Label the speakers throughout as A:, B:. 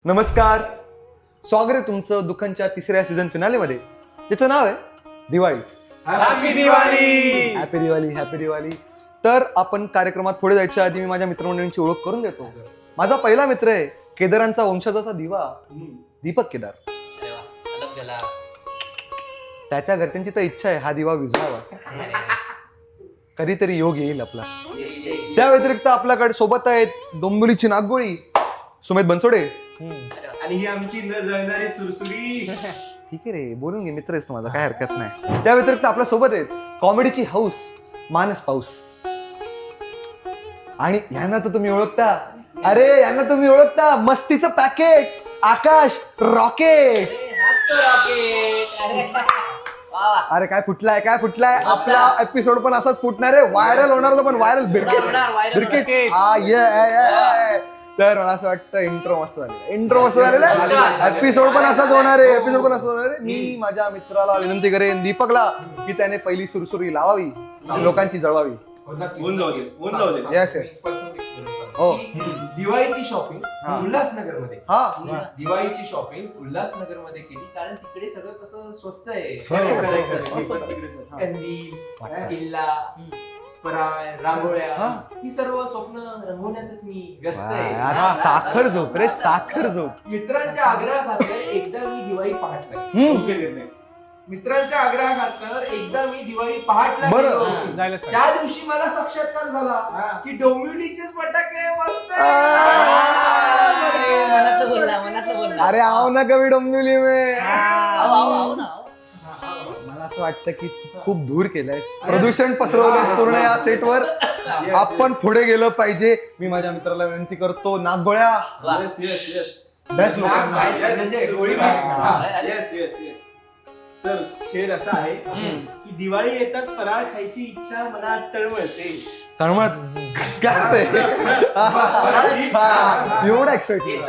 A: नमस्कार, स्वागत आहे तुमचं दुकानच्या तिसऱ्या सीझन फिनालेमध्ये, ज्याचं नाव आहे Diwali.
B: Happy Diwali.
A: Happy Diwali, happy Diwali. तर आपण कार्यक्रमात पुढे जायच्या आधी मी माझ्या मित्रमंडळींची ओळख करून देतो. माझा पहिला मित्र आहे केदारांचा वंशजाचा दिवा दीपक केदार. त्याच्या घरच्यांची तर इच्छा आहे हा दिवा विझवावा, कधीतरी योग येईल आपला. त्या व्यतिरिक्त आपल्याकडे सोबत आहेत डोंबिवलीची नागगोळी सुमेध बनसोडे.
B: आणि ही आमची न जळणारी सुरसुरी.
A: ठीक आहे रे, बोलून घे, मित्र आहेस माझा, काय हरकत नाही. त्या व्यतिरिक्त आपल्या सोबत आहेत कॉमेडीची हाऊस मानस पाऊस. आणि यांना तर तुम्ही ओळखता, अरे यांना तुम्ही ओळखता, मस्तीचं पॅकेट आकाश रॉकेट. अरे काय फुटलाय आपला एपिसोड पण असाच फुटणार आहे, व्हायरल होणार, पण व्हायरल बिरकेट. तर मला असं वाटतं इंट्रो मस्त झालेला आहे, एपिसोड पण असाच होणार आहे. मी माझ्या मित्राला विनंती करेन दीपकला की त्याने पहिली सुरसुरी लावावी, लोकांची जळवावी. हो,
C: दिवाळीची शॉपिंग उल्हासनगर मध्ये
A: हा
C: दिवाळीची शॉपिंग उल्हासनगर मध्ये केली, कारण तिकडे सगळं कसं स्वस्त आहे. कंदील, किल्ला, पराळ, रांगोळ्या, ही सर्व स्वप्न रंगवण्यातच मी व्यस्त आहे.
A: साखर झोप रे, साखर झोप.
C: मित्रांच्या आग्रहाखातर एकदा मी दिवाळी पहाटला. मित्रांच्या आग्रहाखातर एकदा मी दिवाळी पहाटला गेलो. त्या दिवशी मला साक्षात्कार झाला की डोंबिवलीचेच फटाके मस्त
D: मनातलं बोलला.
A: अरे आओ ना कवी डोंबिवली में.
D: आओ ना.
A: मला असं वाटतं की खूप दूर केलंयस, प्रदूषण पसरवलंयस पूर्ण या सेटवर. आपण पुढे गेलं पाहिजे. मी माझ्या मित्राला विनंती करतो, नागगोळ्या बेस्ट
B: तर छेद असा आहे की दिवाळी येताच फराळ खायची इच्छा मनात तळमळते.
A: एवढा एक्साइटेड.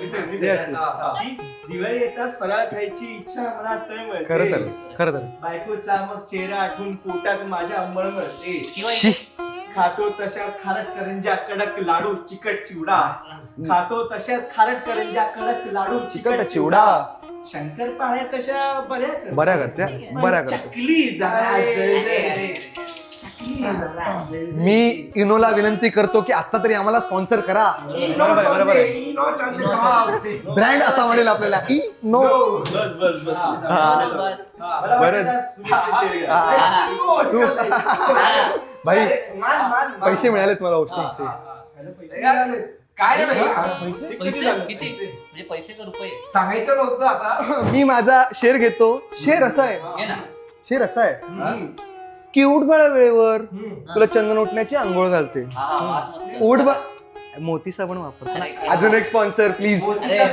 B: दिवाळी येताच फराळ खायची इच्छा मनात तळमळते.
A: खरं तर
B: बायकोचा मग चेहरा आठवून पोटात माझ्या मळमळते. खातो तशाच खारट करंजा कडक लाडू चिकट चिवडा. खातो तशाच खारट करंजा कडक लाडू
A: चिकट चिवडा.
B: शंकरपाळ्या तशा
A: बऱ्या करत्या.
B: चकली जरा
A: मी इनोला विनंती करतो की आता तरी आम्हाला स्पॉन्सर करा. ब्रँड असा म्हणेल आपल्याला इनो. भाई पैसे मिळालेत मला हॉस्टिंगचे.
C: काय
D: किती म्हणजे पैसे का रुपये
C: सांगायचं नव्हतं आता.
A: मी माझा शेर घेतो. शेर असा आहे की उठ बाळा वेळेवर, तुला चंदन उठण्याची आंघोळ घालते. उठ बा मोती साबण वापरतो. अजून एक स्पॉन्सर प्लीज.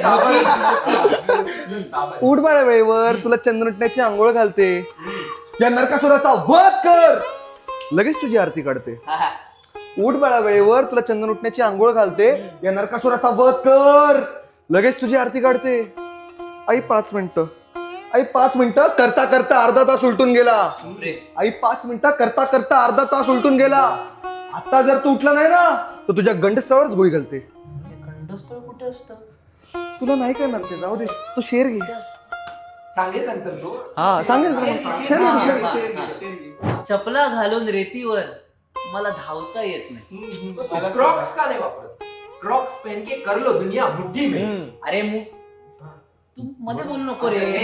A: उठ बाळा वेळेवर, तुला चंदन उठण्याची आंघोळ घालते, या नरकासुराचा वध कर, लगेच तुझी आरती काढते. उठ बाळा वेळेवर, तुला चंदन उठण्याची आंघोळ घालते, या नरकासुराचा वध कर, लगेच तुझी आरती काढते. आई 5 मिनिटं, आई 5 मिनिटं करता करता अर्धा तास उलटून गेला. आई 5 मिनिटं करता करता अर्धा तास उलटून गेला. आता जर तू उठला नाही ना तर तुझ्या गंडस्थळावरच गोळी घालते.
D: गंडस्थळ कुठे असतं?
A: तुला नाही करणार ते, जाऊ दे, तू शेर घे.
C: सांगेल नंतर तो.
A: हा सांगेल शेर.
D: चपला घालून रेतीवर मला धावता येत नाही.
C: क्रॉक्स का नाही वापरत? क्रॉक्स पहन के कर लो दुनिया मुट्ठी में.
D: अरे तू मध्ये बोलू नको रे.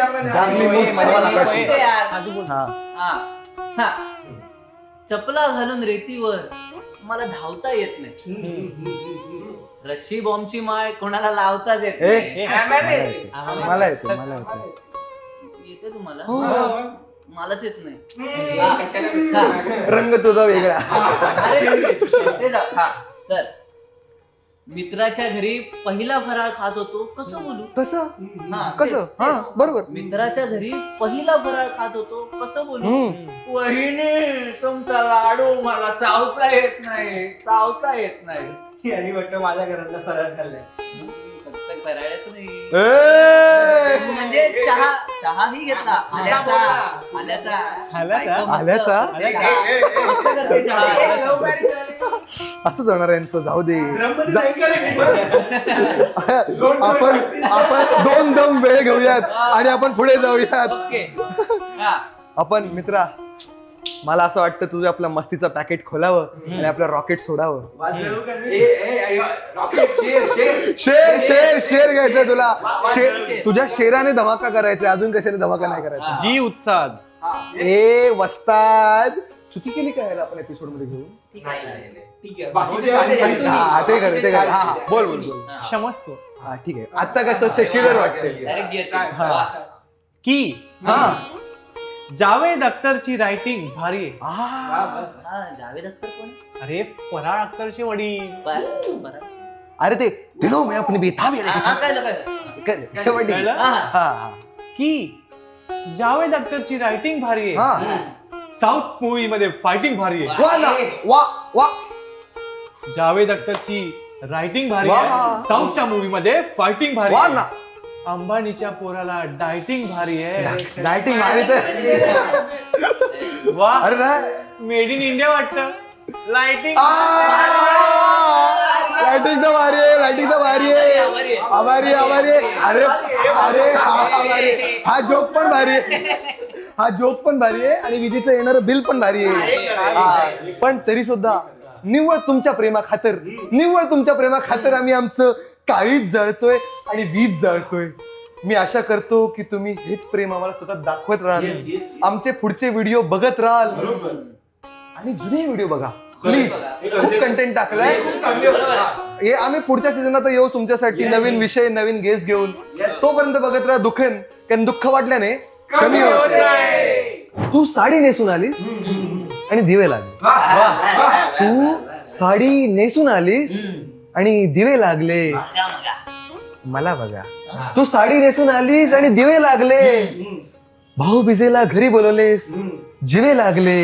D: चपला घालून रेतीवर मला धावता येत नाही. रशी बॉम्बची माळ कोणाला लावताच येत नाही.
A: मला येतो.
D: येते तुम्हाला? मलाच येत नाही.
A: रंग तुझा वेगळा.
D: तर मित्राच्या घरी पहिला फराळ खात होतो, कसं बोलू?
A: कसं बरोबर.
D: मित्राच्या घरी पहिला फराळ खात होतो, कसं बोलू? वहिनी तुमचा लाडू मला चावता येत नाही.
B: आणि वाटतं माझ्या घरातला फराळ खाल्लाय.
D: फक्त फराळच नाही, म्हणजे चहाही घेतला. आल्याचा.
A: असंच होणार आहे यांचं, जाऊ दे.
B: ड्रममध्ये जाईल का रे?
A: आपण 2 दम वेळ घेऊयात आणि आपण पुढे जाऊयात.
D: ओके हा.
A: आपण मित्रा, मला असं वाटतं तुझं आपल्या मस्तीचं पॅकेट खोलावं आणि आपलं रॉकेट सोडावं.
B: वाजवू का मी?
C: रॉकेट शेर
A: शेर शेर शेर घ्यायचं तुला.
D: शेर.
A: तुझ्या शेराने धमाका करायचा, अजून कशाने धमाका नाही करायचा.
E: जी उत्साद.
A: ए वस्ताद, चुकी केली काय याला आपण एपिसोड मध्ये घेऊन?
D: ठीक आहे.
B: ठीक आहे.
C: बाकीचे
B: बाकीचे
C: चालेल.
B: चालेल.
A: हा ते कर. हा बोल बोल बोल.
D: हा.
E: क्षमस्व.
A: हा ठीक आहे. आता कसं सेक्युलर वाटतंय.
D: Direct gear
B: छान,
D: change.
B: छान,
D: वा.
B: छान.
E: की
A: हा
E: जावेद अख्तरची रायटिंग भारी आहे.
B: वा,
A: आ,
B: वा.
D: हा, जावेद अख्तर कोण आहे?
E: अरे फराळ अख्तरचे वडील.
D: बरं.
A: अरे ते दिलो मैं अपनी बेथा भी
D: हा, हा, कळलं.
E: कळलं?
D: हा, हा.
A: हा
E: की जावेद अख्तरची रायटिंग भारी आहे.
A: हा
E: साऊथ मूवी मध्ये फायटिंग भारी आहे.
A: वा ना वा वा
E: जावेद अख्तरची रायटिंग भारी
A: वा.
E: आहे. साऊथच्या मूवी मध्ये फायटिंग भारी
A: वा
E: आहे.
A: ना.
E: अंबानीच्या पोराला डायटिंग भारी आहे.
A: डायटिंग मारी तर
E: वा
A: अरे ना
E: मेड इन इंडिया वाटतं. लाइटिंग.
A: लाइटिंग तर भारी आहे, लाइटिंग तर भारी आहे. आभारी आभारी अरे अरे हा जोक पण भारी आहे. हा जोक पण भारी आहे आणि विजेचं येणारं बिल पण भारी आहे. पण तरी सुद्धा निव्वळ तुमच्या प्रेमाखातर आम्ही आमचं काळीच जळतोय आणि वीज जळतोय. मी आशा करतो की तुम्ही हेच प्रेम आम्हाला सतत दाखवत राहाल.
B: Yes, yes, yes.
A: आमचे पुढचे व्हिडिओ बघत राहाल
B: बरोबर.
A: आणि जुने व्हिडिओ बघा प्लीज. खूप कंटेंट टाकलाय.
B: खूप चांगले होते.
A: हे आम्ही पुढच्या सीझनात येऊ तुमच्यासाठी नवीन विषय, नवीन गेस्ट घेऊन.
B: Yes.
A: तोपर्यंत बघत राहा दुखेन, कारण दुःख वाटल्याने कमी
B: होत
A: होत
B: नाही.
A: तू साडी नेसून आलीस आणि दिवे लागले. तू साडी नेसून आलीस आणि दिवे लागले.
D: मगा, मगा.
A: मला बघा, तू साडी नेसून आलीस आणि दिवे लागले. भाऊ बिजेला घरी बोलवलेस, जिवे लागले.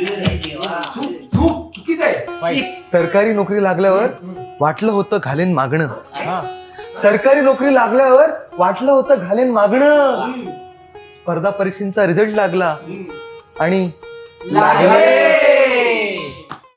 C: चूक चुकीच आहे.
A: सरकारी नोकरी लागल्यावर वाटलं होतं घालेन मागणं.
E: हा.
A: सरकारी नोकरी लागल्यावर वाटलं होतं घालेन मागणं. स्पर्धा परीक्षेचा रिझल्ट लागला आणि लागले